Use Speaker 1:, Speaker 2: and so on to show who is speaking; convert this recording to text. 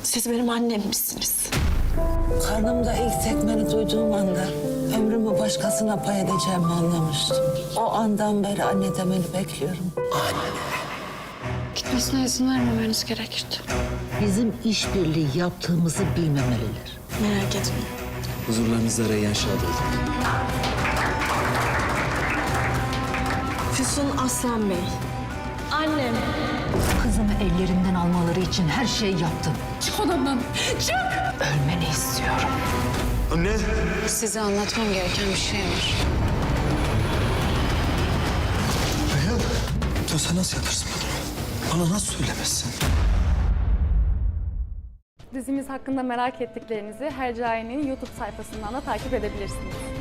Speaker 1: Siz benim annem misiniz?
Speaker 2: Karnımda ilk tekmeni duyduğum anda ömrümü başkasına pay edeceğimi anlamıştım. O andan beri anne demeni bekliyorum.
Speaker 3: Gitmesine izin vermemeniz gerekirdi.
Speaker 2: Bizim işbirliği yaptığımızı bilmemeliler.
Speaker 1: Merak etme.
Speaker 4: Huzurlarınızda Reyyan Şadoğlu.
Speaker 1: Füsun Aslan Bey. Annem.
Speaker 5: Kızımı ellerinden almaları için her şeyi yaptım.
Speaker 3: Çık odamdan. Çık!
Speaker 5: Ölmeni istiyorum.
Speaker 4: Anne!
Speaker 3: Size anlatmam gereken bir şey var.
Speaker 4: Reyhan! Sen nasıl yaparsın bunu? Bana nasıl söylemezsin?
Speaker 6: Dizimiz hakkında merak ettiklerinizi Hercai'nin YouTube sayfasından da takip edebilirsiniz.